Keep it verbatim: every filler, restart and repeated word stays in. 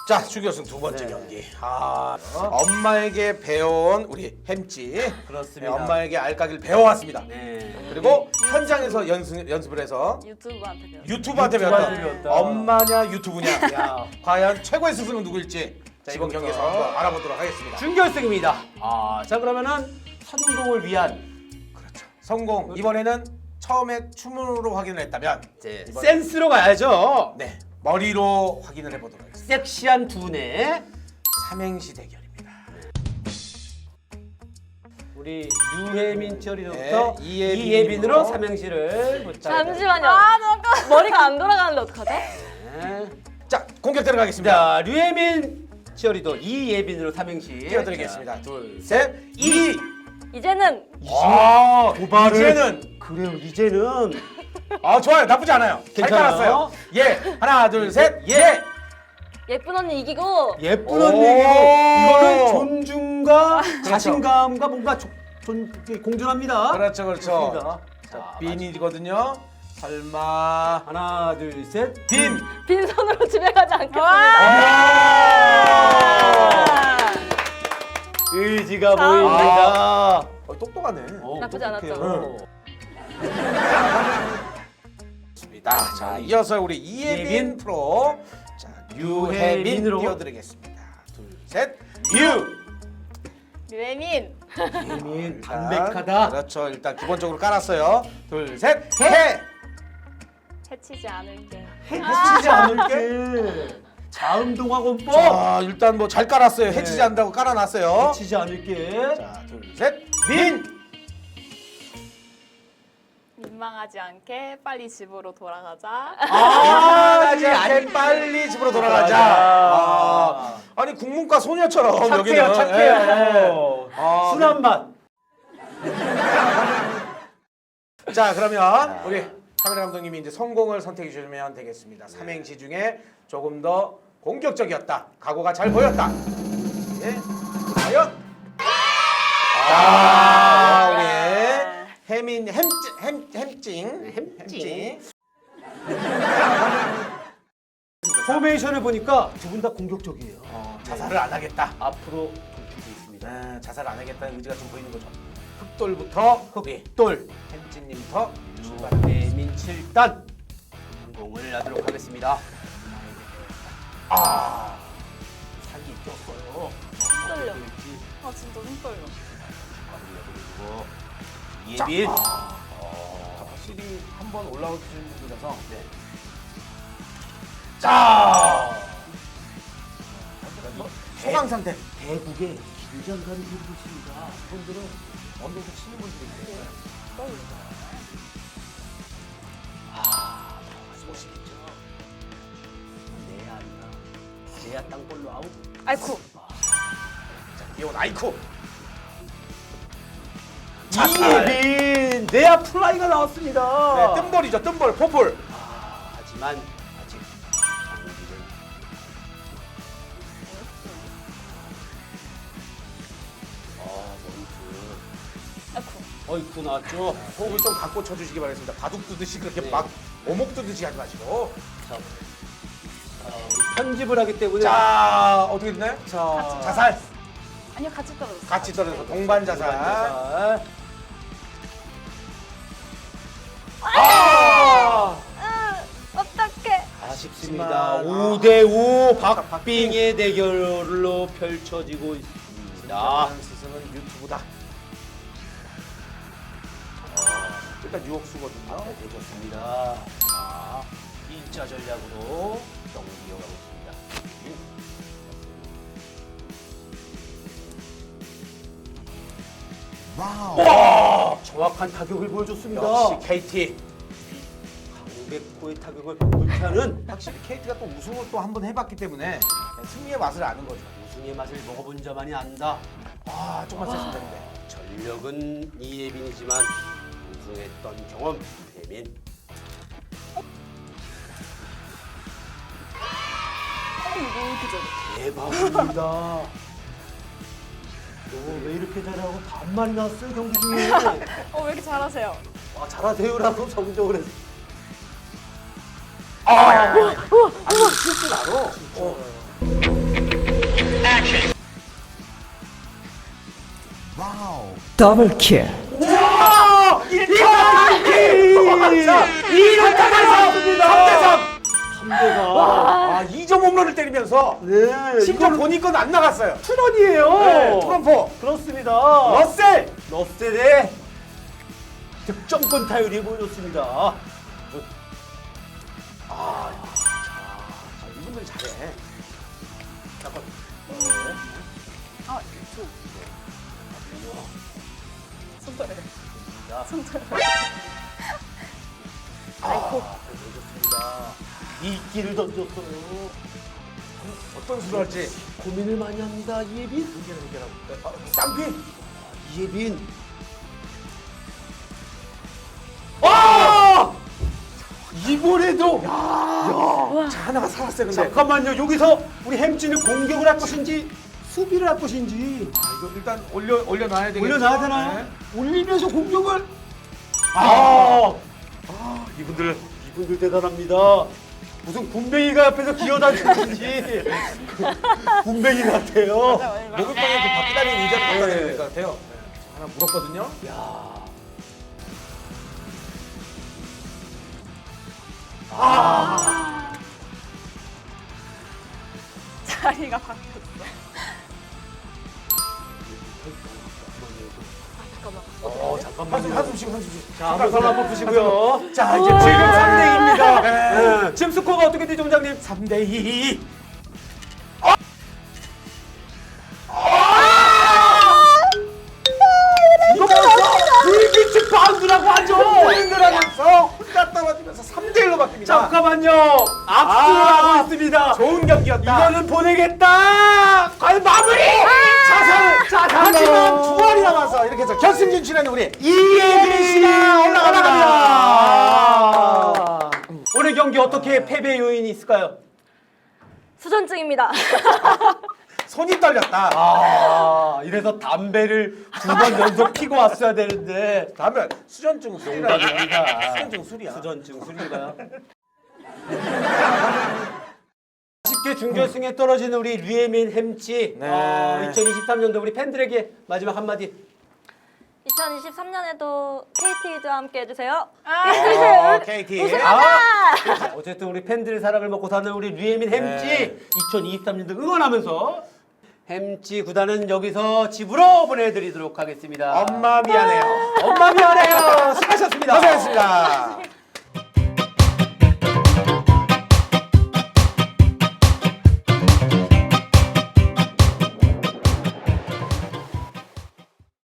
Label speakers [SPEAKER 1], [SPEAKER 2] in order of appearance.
[SPEAKER 1] 자, 준결승 두 번째
[SPEAKER 2] 네.
[SPEAKER 1] 경기. 아, 엄마에게 배워온 우리 햄찌.
[SPEAKER 2] 그렇습니다.
[SPEAKER 1] 네, 엄마에게 알까기를 배워왔습니다.
[SPEAKER 2] 네.
[SPEAKER 1] 그리고 현장에서 연습, 연습을 해서
[SPEAKER 3] 유튜브한테 배웠어요.
[SPEAKER 1] 유튜브한테
[SPEAKER 2] 유튜브한테
[SPEAKER 1] 배웠다.
[SPEAKER 2] 배웠다.
[SPEAKER 1] 엄마냐 유튜브냐.
[SPEAKER 2] 야.
[SPEAKER 1] 과연 최고의 스승은 누구일지 자, 이번
[SPEAKER 2] 지금부터
[SPEAKER 1] 경기에서 한번 알아보도록 하겠습니다.
[SPEAKER 2] 준결승입니다. 아, 자 그러면은 성공을 위한
[SPEAKER 1] 그렇죠. 성공. 이번에는 처음에 춤으로 확인을 했다면
[SPEAKER 2] 이제
[SPEAKER 1] 이번엔-
[SPEAKER 2] 센스로 가야죠.
[SPEAKER 1] 네, 머리로 확인을 해보도록 하겠습니다.
[SPEAKER 2] 섹시한 두뇌.
[SPEAKER 1] 삼행시 대결입니다.
[SPEAKER 2] 우리 유혜민 처리로부터
[SPEAKER 1] 네, 이예빈으로.
[SPEAKER 2] 이예빈으로 삼행시를 부탁드립니다.
[SPEAKER 3] 잠시만요. 아, 잠깐. 머리가 안 돌아가는데 어떡하죠?
[SPEAKER 2] 네.
[SPEAKER 1] 자, 공격 들어가겠습니다.
[SPEAKER 2] 자, 류혜민 치어리더 이예빈으로 삼행시
[SPEAKER 1] 띄워드리겠습니다. 둘, 셋, 이.
[SPEAKER 3] 이제는
[SPEAKER 1] 아,
[SPEAKER 2] 도발을.
[SPEAKER 1] 이제는
[SPEAKER 2] 그래요, 이제는
[SPEAKER 1] 아 좋아요, 나쁘지 않아요. 잘
[SPEAKER 2] 괜찮아요?
[SPEAKER 1] 깔았어요. 예, 하나, 둘, 셋, 예.
[SPEAKER 3] 예쁜 언니 이기고
[SPEAKER 2] 예쁜
[SPEAKER 1] 오.
[SPEAKER 2] 언니이고 이거는 존중과
[SPEAKER 1] 그렇죠.
[SPEAKER 2] 자신감과 뭔가 조, 존, 공존합니다.
[SPEAKER 1] 그렇죠, 그렇죠.
[SPEAKER 2] 그렇습니다.
[SPEAKER 1] 자,
[SPEAKER 2] 자,
[SPEAKER 1] 빈이거든요. 설마
[SPEAKER 2] 하나, 둘, 셋.
[SPEAKER 1] 빈.
[SPEAKER 3] 빈손으로 집에 가지 않겠습니다.
[SPEAKER 1] 아!
[SPEAKER 2] 의지가
[SPEAKER 3] 자,
[SPEAKER 2] 보입니다.
[SPEAKER 1] 어, 똑똑하네.
[SPEAKER 2] 어,
[SPEAKER 3] 나쁘지
[SPEAKER 2] 똑똑해요.
[SPEAKER 1] 좋습니다. 자, 이어서 우리 이예빈
[SPEAKER 2] 이예빈.
[SPEAKER 1] 프로. 자, 유혜민
[SPEAKER 2] 유혜민으로.
[SPEAKER 1] 띄워드리겠습니다. 둘, 셋, 유.
[SPEAKER 3] 류혜민.
[SPEAKER 2] 예민,
[SPEAKER 1] 일단,
[SPEAKER 2] 담백하다.
[SPEAKER 1] 그렇죠. 일단 기본적으로 깔았어요. 둘, 셋, 해.
[SPEAKER 3] 해치지 않을게.
[SPEAKER 2] 해치지 않을게. 자음동화공법.
[SPEAKER 1] 자, 일단 뭐 잘 깔았어요.
[SPEAKER 2] 네.
[SPEAKER 1] 해치지 않는다고 깔아놨어요.
[SPEAKER 2] 해치지 않을게.
[SPEAKER 1] 자, 둘, 셋, 민.
[SPEAKER 3] 민망하지 않게 빨리 집으로 돌아가자.
[SPEAKER 1] 아,
[SPEAKER 2] 아직 안-
[SPEAKER 1] 아직 빨리 집으로 돌아가자.
[SPEAKER 2] 맞아.
[SPEAKER 1] 아, 아니 국문과 소녀처럼
[SPEAKER 2] 착해요,
[SPEAKER 1] 여기는.
[SPEAKER 2] 착해요.
[SPEAKER 1] 예. 아,
[SPEAKER 2] 순한 맛.
[SPEAKER 1] 자, 그러면 우리 카메라 감독님이 이제 성공을 선택해 주시면 되겠습니다. 삼행시 중에 조금 더 공격적이었다. 각오가 잘 보였다. 예. 과연? 아, 우리 혜민 햄 햄 햄찡
[SPEAKER 2] 햄찡. 포메이션을 보니까 두 분 다 공격적이에요.
[SPEAKER 1] 어, 자살을 안 하겠다.
[SPEAKER 2] 앞으로 돌출돼 있습니다.
[SPEAKER 1] 네, 자살 안 하겠다는 의지가 좀 보이는 거죠. 흑돌부터
[SPEAKER 2] 흑돌.
[SPEAKER 1] 햄찌님부터 출발.
[SPEAKER 2] 유혜민 칠 단 성공을 하도록 하겠습니다.
[SPEAKER 1] 아,
[SPEAKER 2] 살이 꼈어요.
[SPEAKER 3] 떨려.
[SPEAKER 2] 어떻게 될지
[SPEAKER 3] 아 진짜 눈 떨려.
[SPEAKER 2] 그리고 예빈.
[SPEAKER 1] 자, 확실히 한 번 올라오시는 분이라서.
[SPEAKER 2] 네.
[SPEAKER 1] 자, 소강 상태.
[SPEAKER 2] 대국의 긴장감이 흐르고 있습니다.
[SPEAKER 1] 분들은 언더에서 치는 분들이 있어요.
[SPEAKER 2] 아, 소식이죠. 내야 아니라 내야 땅볼로 아웃.
[SPEAKER 3] 아이쿠.
[SPEAKER 1] 자, 귀여운 아이쿠.
[SPEAKER 2] 이예빈 내야 플라이가 나왔습니다.
[SPEAKER 1] 네, 뜸볼이죠, 뜸볼, 포폴.
[SPEAKER 2] 아, 하지만 아직 정우기는 아, 머리프.
[SPEAKER 3] 아이쿠.
[SPEAKER 2] 어이쿠 나왔죠.
[SPEAKER 1] 호흡을 좀 갖고 쳐주시기 바라겠습니다. 바둑 두듯이 그렇게
[SPEAKER 2] 네.
[SPEAKER 1] 막 오목 두듯이 하지 마시고.
[SPEAKER 2] 자, 아, 우리 편집을 하기 때문에
[SPEAKER 1] 자, 어떻게 됐나요?
[SPEAKER 2] 자,
[SPEAKER 1] 자살.
[SPEAKER 3] 아니요 같이 떨어졌어.
[SPEAKER 1] 같이 떨어져서 동반 자살.
[SPEAKER 2] 자,
[SPEAKER 1] 아!
[SPEAKER 3] 으, 어떡해.
[SPEAKER 2] 아쉽습니다.
[SPEAKER 1] 하지만-
[SPEAKER 2] 오 대 오 박빙의 대결로 펼쳐지고 있습니다.
[SPEAKER 1] 진정한 스승은 유튜브다. 아, 일단 유혹수거든요.
[SPEAKER 2] 네, 되졌습니다. 자, 일자 전략으로 경기 이어가고 있습니다.
[SPEAKER 1] 와우.
[SPEAKER 2] 와! 정확한 타격을 보여줬습니다.
[SPEAKER 1] 역시 케이티.
[SPEAKER 2] 강백호의 타격을 불타는
[SPEAKER 1] 확실히 케이티가 또 우승을 또 한 번 해봤기 때문에 승리의 맛을 아는 거죠.
[SPEAKER 2] 우승의 맛을 먹어본 자만이 안다.
[SPEAKER 1] 아, 조금만 셌으면 되는데.
[SPEAKER 2] 전력은 이예빈이지만 우승했던 경험 유혜민.
[SPEAKER 3] 어, 이거 왜 이렇게 잘해?
[SPEAKER 2] 대박입니다. 너 왜 이렇게 잘하고 반말이 났어요 경기 중에?
[SPEAKER 3] 어, 왜 이렇게 잘하세요?
[SPEAKER 2] 아 잘하세요라고 정정을 했어.
[SPEAKER 1] 아, 아니 실수 나로. 어.
[SPEAKER 4] 더블킬.
[SPEAKER 1] 와! 이렇게! 자, 이렇게 해서 삼 대 삼!
[SPEAKER 2] 삼 대가
[SPEAKER 1] 아, 이 점 홈런을 때리면서
[SPEAKER 2] 네,
[SPEAKER 1] 심지어 본인 건 안 나갔어요.
[SPEAKER 2] 투런이에요.
[SPEAKER 1] 네, 트럼프.
[SPEAKER 2] 그렇습니다.
[SPEAKER 1] 러셀!
[SPEAKER 2] 러셀의 득점권 타율이 보여줬습니다.
[SPEAKER 1] 아, 이분들 잘해. 잠깐.
[SPEAKER 3] 아, 저. 손절해. 손절. 아이고.
[SPEAKER 2] 보여줬습니다. 이끼를 던졌어요.
[SPEAKER 1] 어떤 수를 할지.
[SPEAKER 2] 고민을 많이 합니다. 이예빈.
[SPEAKER 1] 문제를 해결하고. 아, 쌍피!
[SPEAKER 2] 이예빈. 아! 이번에도 야,
[SPEAKER 1] 자, 하나가 살았어요, 근데.
[SPEAKER 2] 잠깐만요. 여기서 우리 햄찌는 공격을 할 것인지 수비를 할 것인지
[SPEAKER 1] 아, 이거 일단 올려, 올려놔야 되겠죠.
[SPEAKER 2] 올려놔야 되나요?
[SPEAKER 1] 네.
[SPEAKER 2] 올리면서 공격을 아,
[SPEAKER 1] 아, 이분들.
[SPEAKER 2] 이분들 대단합니다. 무슨 군뱅이가 옆에서 기어다니는지 군뱅이 같아요.
[SPEAKER 1] 목욕탕에 그 바퀴 다니는 의자를 갖다 대야 될 것 같아요. 네. 하나 물었거든요.
[SPEAKER 2] 야.
[SPEAKER 3] 자리가 바뀌었어.
[SPEAKER 2] 어,
[SPEAKER 1] 한숨,
[SPEAKER 2] 잠깐만요.
[SPEAKER 1] 한숨씩, 한숨씩.
[SPEAKER 2] 자, 한번 손 한번 푸시고요.
[SPEAKER 1] 자, 이제
[SPEAKER 2] 지금
[SPEAKER 1] 지금
[SPEAKER 2] 삼 대 이입니다.
[SPEAKER 1] 네.
[SPEAKER 2] 네. 지금 스코어가 어떻게 되죠, 원장님?
[SPEAKER 1] 삼 대 이.
[SPEAKER 2] 이거 불빛 바운드라고 하죠.
[SPEAKER 1] 흔들하면서 혼자 떨어지면서 삼 대 일로 바뀝니다.
[SPEAKER 2] 잠깐만요. 압수를
[SPEAKER 1] 아.
[SPEAKER 2] 하고 있습니다.
[SPEAKER 1] 좋은 경기였다.
[SPEAKER 2] 이거는 보내겠다. 과연 마무리.
[SPEAKER 1] 자산,
[SPEAKER 2] 자,
[SPEAKER 1] 하지만 두 알이 남아서 이렇게 해서 결승 진출하는 우리 이예빈 씨가 올라갑니다.
[SPEAKER 2] 아. 오늘 경기 어떻게 패배 요인이 있을까요?
[SPEAKER 5] 수전증입니다.
[SPEAKER 1] 손이 떨렸다.
[SPEAKER 2] 아, 이래서 담배를 두 번 연속 피고 왔어야 되는데
[SPEAKER 1] 다음에 수전증 술이라.
[SPEAKER 2] 농담입니다.
[SPEAKER 1] 수전증 술이야.
[SPEAKER 2] 수전증 술인가요? 아쉽게 준결승에 떨어지는 우리 류예민 햄찌.
[SPEAKER 1] 네.
[SPEAKER 2] 어, 이천이십삼 년도 우리 팬들에게 마지막 한마디.
[SPEAKER 5] 이천이십삼 년에도 케이티즈와 함께 해주세요.
[SPEAKER 3] 아,
[SPEAKER 1] 어, 케이티.
[SPEAKER 2] 아, 어쨌든 우리 팬들의 사랑을 먹고 사는 우리 류예민 햄찌
[SPEAKER 1] 네.
[SPEAKER 2] 이천이십삼 년도 응원하면서 햄찌 구단은 여기서 집으로 보내드리도록 하겠습니다.
[SPEAKER 1] 엄마 미안해요.
[SPEAKER 2] 엄마 미안해요. 수고하셨습니다.
[SPEAKER 1] 고생했습니다.